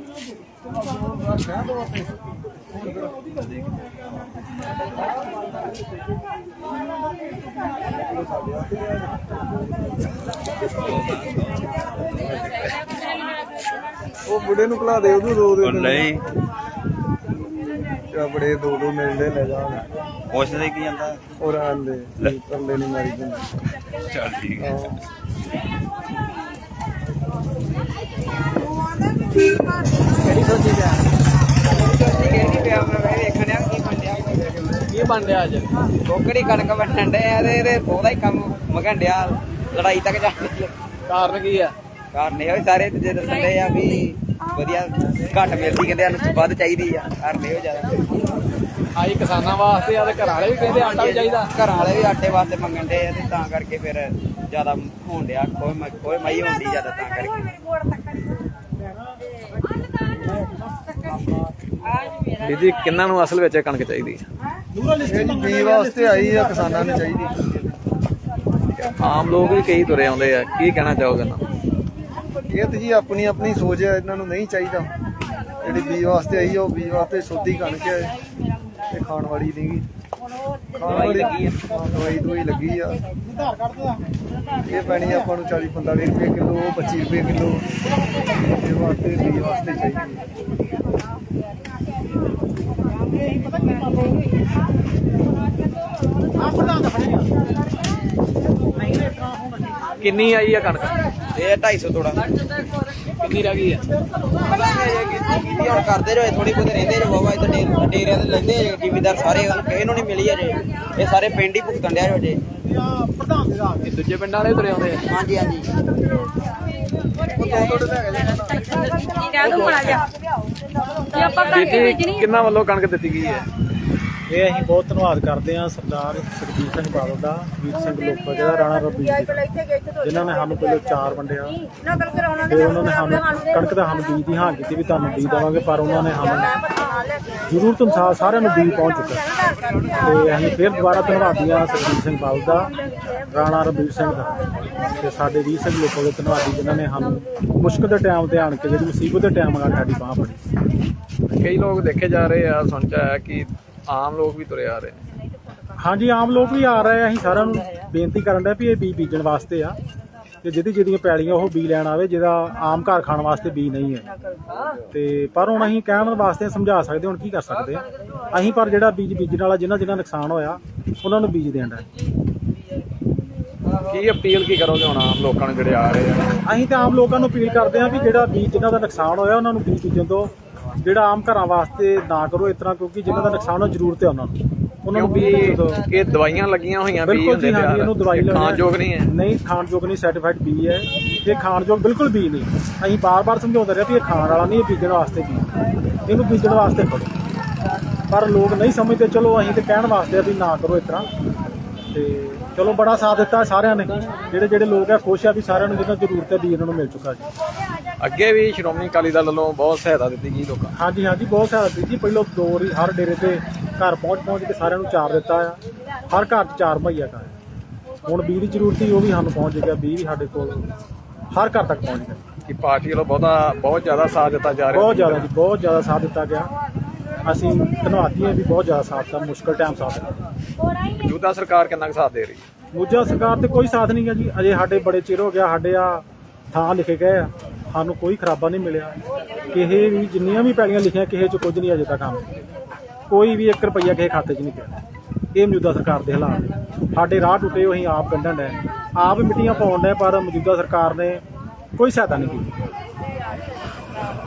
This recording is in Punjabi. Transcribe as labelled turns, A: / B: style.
A: ਉਹ ਬੁੜੇ ਨੂੰ ਭੁਲਾ ਦੇ ਉਹਨੂੰ ਦੋ ਦੇ
B: ਨਹੀਂ
A: ਬੜੇ ਦੋ ਦੋ ਮਿਲਦੇ ਲੈ ਜਾ
B: ਪੁੱਛਦੇ ਕੀ ਜਾਂਦਾ
A: ਉਹ ਆਂਦੇ ਪਰਲੇ ਨਹੀਂ ਮਾਰੀ ਜਾਂਦੇ।
B: ਚੱਲ ਠੀਕ ਹੈ।
A: ਕਿਹੜੀ ਸੋਚੀ ਪਿਆ
C: ਪਿਆ ਮੈਂ ਵੇਖਣ ਆ
A: ਕੀ ਬਣ ਰਿਹਾ ਅੱਜ?
C: ਕੋਕੜੀ ਕਣਕ ਵੰਡਣ ਡਏ ਆ ਤੇ ਇਹਦੇ ਉਹਦਾ ਹੀ ਕੰਮ ਮਗਣ ਡਿਆ ਲੜਾਈ ਤੱਕ ਜਾਂਦੀ
A: ਕਾਰਨ ਕੀ ਆ?
C: ਕਾਰਨ ਇਹ ਸਾਰੇ ਦੂਜੇ ਦੱਸਣ ਡਏ ਆ ਵੀ ਵਧੀਆ ਘੱਟ ਮਿਲਦੀ, ਕਹਿੰਦੇ ਸਾਨੂੰ ਵੱਧ ਚਾਹੀਦੀ ਆ। ਕਾਰਨ ਇਹੋ ਜ਼ਿਆਦਾ
A: ਆਈ ਕਿਸਾਨਾਂ ਵਾਸਤੇ ਆ ਤੇ ਘਰ ਵਾਲੇ ਵੀ ਕਹਿੰਦੇ ਆਟਾ ਵੀ ਚਾਹੀਦਾ।
C: ਘਰਾਂ ਵਾਲੇ ਵੀ ਆਟੇ ਵਾਸਤੇ ਮੰਗਣ ਡਏ ਆ ਤੇ ਤਾਂ ਕਰਕੇ ਫਿਰ ਜ਼ਿਆਦਾ ਹੋਣ ਡਿਆ ਕੋਈ ਮਈ ਹੁੰਦੀ ਜ਼ਿਆਦਾ ਤਾਂ ਕਰਕੇ।
A: ਦੀਦੀ ਕਿੰਨਾਂ ਨੂੰ ਅਸਲ ਵਿੱਚ ਕਣਕ ਚਾਹੀਦੀ ਹੈ? ਬੀ ਵਾਸਤੇ ਆਈ ਆ, ਕਿਸਾਨਾਂ ਨੂੰ ਚਾਹੀਦੀ। ਆਮ ਲੋਕ ਵੀ ਕਈ ਤੁਰੇ ਆਉਂਦੇ ਆ, ਕੀ ਕਹਿਣਾ ਚਾਹੋਗੇ ਨਾ? ਇਹ ਤੇ ਜੀ ਆਪਣੀ ਆਪਣੀ ਸੋਚ ਹੈ, ਇਹਨਾਂ ਨੂੰ ਨਹੀਂ ਚਾਹੀਦਾ। ਜਿਹੜੀ ਬੀ ਵਾਸਤੇ ਆਈ ਆ ਉਹ ਬੀ ਵਾਸਤੇ ਸੋਧੀ ਕਣਕ ਹੈ, ਇਹ ਖਾਣ ਵਾਲੀ ਨਹੀਂ। ਦਵਾਈ ਲੱਗੀ ਆ, ਦਵਾਈ ਲੱਗੀ ਆ। ਇਹ ਪੈਣੀ ਆਪਾਂ ਨੂੰ 40-45 ਰੁਪਏ ਕਿਲੋ, 25 ਰੁਪਏ ਕਿਲੋ। ਇਹ ਵਾਸਤੇ ਬੀ ਵਾਸਤੇ ਚਾਹੀਦੀ। ਕਿੰਨੀ ਆਈ ਆ ਕਣਕ?
C: ਇਹ 250 ਤੋੜਾ
A: ਕਿੰਨੀ ਰਹਿ ਗਈ ਆ?
C: ਹੁਣ ਕਰਦੇ ਜੋ ਥੋੜੀ ਬਹੁਤ ਰਹਿੰਦੇ ਜੋ ਬਾਬਾ ਇੱਧਰ ਡੇਰਿਆਂ ਤੇ ਲੈਂਦੇ ਆ ਜ਼ਿਮੀਦਾਰ ਸਾਰੇ, ਕਿਸੇ ਨੂੰ ਨਹੀਂ ਮਿਲੀ ਅਜੇ। ਇਹ ਸਾਰੇ ਪਿੰਡ ਹੀ ਭੁਗਤਣ ਡਿਆ ਜੋ ਅਜੇ।
A: ਇਹ ਦੂਜੇ ਪਿੰਡਾਂ ਵਾਲੇ ਤੁਰੇ ਆਉਂਦੇ ਆ?
C: ਹਾਂਜੀ ਹਾਂਜੀ।
A: ਕਿੰਨਾ ਵੱਲੋਂ ਕਣਕ ਦਿੱਤੀ ਗਈ ਹੈ?
D: ਇਹ ਅਸੀਂ ਬਹੁਤ ਧੰਨਵਾਦ ਕਰਦੇ ਹਾਂ ਸਰਦਾਰ ਸੁਖਜੀਤ ਸਿੰਘ ਬਾਦਲ ਦਾ, ਵੀਰ ਸਿੰਘ ਲੋਕਾ ਜਿਹੜਾ ਰਾਣਾ ਰਬੀ ਜਿਨ੍ਹਾਂ ਨੇ ਸਾਨੂੰ ਪਹਿਲਾਂ 4 ਵੰਡਿਆ। ਫਿਰ ਉਹਨਾਂ ਨੇ ਸਾਨੂੰ ਕਣਕ ਦਾ ਸਾਨੂੰ ਬੀਜ ਦੀ ਹਾਂ ਕੀਤੀ ਵੀ ਤੁਹਾਨੂੰ ਬੀਜ ਦੇਵਾਂਗੇ, ਪਰ ਉਹਨਾਂ ਨੇ ਸਾਨੂੰ ਜ਼ਰੂਰਤ ਅਨੁਸਾਰ ਸਾਰਿਆਂ ਨੂੰ ਬੀਜ ਪਹੁੰਚ ਚੁੱਕਾ। ਤੇ ਅਸੀਂ ਫਿਰ ਦੁਬਾਰਾ ਧੰਨਵਾਦੀ ਹਾਂ ਸੁਖਜੀਤ ਸਿੰਘ ਬਾਦਲ ਦਾ, ਰਾਣਾ ਰਬੀਰ ਸਿੰਘ ਦਾ ਤੇ ਸਾਡੇ ਵੀਰ ਸਿੰਘ ਲੋਕਾਂ ਦੇ ਧੰਨਵਾਦੀ ਜਿਨ੍ਹਾਂ ਨੇ ਸਾਨੂੰ ਮੁਸ਼ਕਲ ਦੇ ਟਾਈਮ ਤੇ ਆਣ ਕੇ, ਜਿਹੜੀ ਮੁਸੀਬਤ ਦੇ ਟਾਈਮ ਨਾਲ ਸਾਡੀ ਬਾਂਹ ਫੜੀ।
A: ਕਈ ਲੋਕ ਦੇਖੇ ਜਾ ਰਹੇ ਆ, ਸੁਣ ਚ ਆਇਆ ਕਿ ਆਮ ਲੋਕ ਵੀ ਤੁਰੇ ਆ ਰਹੇ ਨੇ।
D: ਹਾਂਜੀ, ਆਮ ਲੋਕ ਵੀ ਆ ਰਹੇ ਆ। ਅਸੀਂ ਸਾਰਿਆਂ ਨੂੰ ਬੇਨਤੀ ਕਰਨ ਡਿਆ ਵੀ ਇਹ ਬੀਜ ਬੀਜਣ ਵਾਸਤੇ ਆ, ਤੇ ਜਿਹਦੀਆਂ ਪੈਲੀਆਂ ਉਹ ਬੀਜ ਲੈਣ ਆਵੇ, ਜਿਹਦਾ ਆਮ ਘਰ ਖਾਣ ਵਾਸਤੇ ਬੀਜ ਨਹੀਂ ਹੈ। ਤੇ ਪਰ ਹੁਣ ਅਸੀਂ ਕਹਿਣ ਵਾਸਤੇ ਸਮਝਾ ਸਕਦੇ, ਹੁਣ ਕੀ ਕਰ ਸਕਦੇ ਆ ਅਸੀਂ। ਪਰ ਜਿਹੜਾ ਬੀਜ ਬੀਜਣ ਵਾਲਾ ਜਿਨ੍ਹਾਂ ਨੁਕਸਾਨ ਹੋਇਆ ਉਹਨਾਂ ਨੂੰ ਬੀਜ ਦੇਣ ਦਾ।
A: ਕੀ ਅਪੀਲ ਕੀ ਕਰੋਗੇ ਹੁਣ ਆਮ ਲੋਕਾਂ ਨੂੰ ਜਿਹੜੇ ਆ ਰਹੇ ਆ?
D: ਅਸੀਂ ਤਾਂ ਆਮ ਲੋਕਾਂ ਨੂੰ ਅਪੀਲ ਕਰਦੇ ਹਾਂ ਵੀ ਜਿਹੜਾ ਬੀਜ ਜਿਨ੍ਹਾਂ ਦਾ ਨੁਕਸਾਨ ਹੋਇਆ ਉਹਨਾਂ ਨੂੰ ਬੀਜ ਬੀਜਣ ਤੋਂ, ਜਿਹੜਾ ਆਮ ਘਰਾਂ ਵਾਸਤੇ ਨਾ ਕਰੋ ਇਸ ਤਰ੍ਹਾਂ, ਕਿਉਂਕਿ ਜਿਨ੍ਹਾਂ ਦਾ ਨੁਕਸਾਨ ਹੋ ਜ਼ਰੂਰਤ ਹੈ ਉਹਨਾਂ ਨੂੰ ਬੀਜ ਬੀਜਣ ਤੋਂ।
A: ਇਹ ਦਵਾਈਆਂ ਲੱਗੀਆਂ ਹੋਈਆਂ ਬੀਜ
D: ਬਿਲਕੁਲ ਜੀ,
A: ਹੁੰਦੇ
D: ਹਾਂਜੀ, ਇਹਨੂੰ ਦਵਾਈ
A: ਖਾਣਯੋਗ ਨਹੀਂ ਹੈ।
D: ਨਹੀਂ, ਖਾਣਯੋਗ ਨਹੀਂ, ਸਰਟੀਫਾਈਡ ਬੀਜ ਹੈ ਇਹ, ਖਾਣਯੋਗ ਬਿਲਕੁਲ ਬੀਜ ਨਹੀਂ। ਅਸੀਂ ਬਾਰ-ਬਾਰ ਸਮਝਾਉਂਦੇ ਰਹੇ ਵੀ ਇਹ ਖਾਣ ਵਾਲਾ ਨਹੀਂ, ਇਹ ਬੀਜਣ ਵਾਸਤੇ ਬੀਜ, ਇਹਨੂੰ ਬੀਜਣ ਵਾਸਤੇ ਕਰੋ। ਪਰ ਲੋਕ ਨਹੀਂ ਸਮਝਦੇ। ਚਲੋ ਅਸੀਂ ਤੇ ਕਹਿਣ ਵਾਸਤੇ ਵੀ ਨਾ ਕਰੋ ਇਸ ਤਰ੍ਹਾਂ। ਤੇ ਚਲੋ ਬੜਾ ਸਾਥ ਦਿੱਤਾ ਸਾਰਿਆਂ ਨੇ, ਜਿਹੜੇ ਲੋਕ ਆ ਖੁਸ਼ ਆ ਵੀ ਸਾਰਿਆਂ ਨੂੰ ਜਿਹਨਾਂ ਜ਼ਰੂਰਤ ਹੈ ਬੀਜ ਇਹਨਾਂ ਨੂੰ ਮਿਲ ਚੁੱਕਾ ਜੀ।
A: ਅੱਗੇ ਵੀ ਸ਼੍ਰੋਮਣੀ ਅਕਾਲੀ ਦਲ ਵੱਲੋਂ ਬਹੁਤ ਸਹਾਇਤਾ ਦਿੱਤੀ ਗਈ ਲੋਕਾਂ ਨੂੰ।
D: ਹਾਂਜੀ ਹਾਂਜੀ, ਬਹੁਤ ਸਹਾਇਤਾ ਦਿੱਤੀ। ਪਹਿਲਾਂ 2 ਵਾਰੀ ਹਰ ਡੇਰੇ ਤੇ ਘਰ ਪਹੁੰਚ ਕੇ ਸਾਰਿਆਂ ਨੂੰ 4 ਦਿੱਤਾ ਆ। ਹਰ ਘਰ 'ਚ 4 ਮੁਹੱਈਆ ਕਰ। ਹੁਣ ਬੀਜ ਦੀ ਜ਼ਰੂਰਤ ਸੀ, ਉਹ ਵੀ ਸਾਨੂੰ ਪਹੁੰਚ ਗਿਆ। ਬੀਜ ਵੀ ਸਾਡੇ ਕੋਲ ਹਰ ਘਰ ਤੱਕ ਪਹੁੰਚ ਗਿਆ।
A: ਕਿ ਪਾਰਟੀ ਵੱਲੋਂ ਬਹੁਤ ਜ਼ਿਆਦਾ ਸਾਥ ਦਿੱਤਾ ਜਾ ਰਿਹਾ?
D: ਬਹੁਤ ਜ਼ਿਆਦਾ ਜੀ, ਬਹੁਤ ਜ਼ਿਆਦਾ ਸਾਥ ਦਿੱਤਾ ਗਿਆ। ਅਸੀਂ ਧੰਨਵਾਦੀ ਹਾਂ ਵੀ ਬਹੁਤ ਜ਼ਿਆਦਾ ਸਾਥ ਦਿੱਤਾ, ਮੁਸ਼ਕਲ ਟਾਈਮ ਸਾਥ ਦਿੱਤਾ।
A: ਮੌਜੂਦਾ ਸਰਕਾਰ ਕਿੰਨਾ ਕੁ ਸਾਥ ਦੇ ਰਹੀ ਹੈ?
D: ਮੌਜੂਦਾ ਸਰਕਾਰ ਤੇ ਕੋਈ ਸਾਥ ਨਹੀਂ ਹੈ ਜੀ। ਅਜੇ ਸਾਡੇ ਬੜੇ ਚਿਰ ਹੋ ਗਿਆ, ਸਾਡੇ ਆ ਥਾਂ ਲਿਖੇ ਗਏ ਆ, ਸਾਨੂੰ ਕੋਈ ਖਰਾਬਾ ਨਹੀਂ ਮਿਲਿਆ। ਕਿਸੇ ਵੀ ਜਿੰਨੀਆਂ ਵੀ ਪੈਲੀਆਂ ਲਿਖੀਆਂ ਕਿਸੇ 'ਚ ਕੁਝ ਨਹੀਂ ਅਜੇ ਤੱਕ ਕੰਮ, ਕੋਈ ਵੀ 1 ਰੁਪਈਆ ਕਿਸੇ ਖਾਤੇ 'ਚ ਨਹੀਂ ਪਿਆ। ਇਹ ਮੌਜੂਦਾ ਸਰਕਾਰ ਦੇ ਹਾਲਾਤ ਨੇ। ਸਾਡੇ ਰਾਹ ਟੁੱਟੇ ਅਸੀਂ ਆਪ ਕੱਢਣ ਡਏ, ਆਪ ਮਿੱਟੀਆਂ ਪਾਉਣ ਡਏ, ਪਰ ਮੌਜੂਦਾ ਸਰਕਾਰ ਨੇ ਕੋਈ ਸਹਾਇਤਾ ਨਹੀਂ ਕੀਤੀ।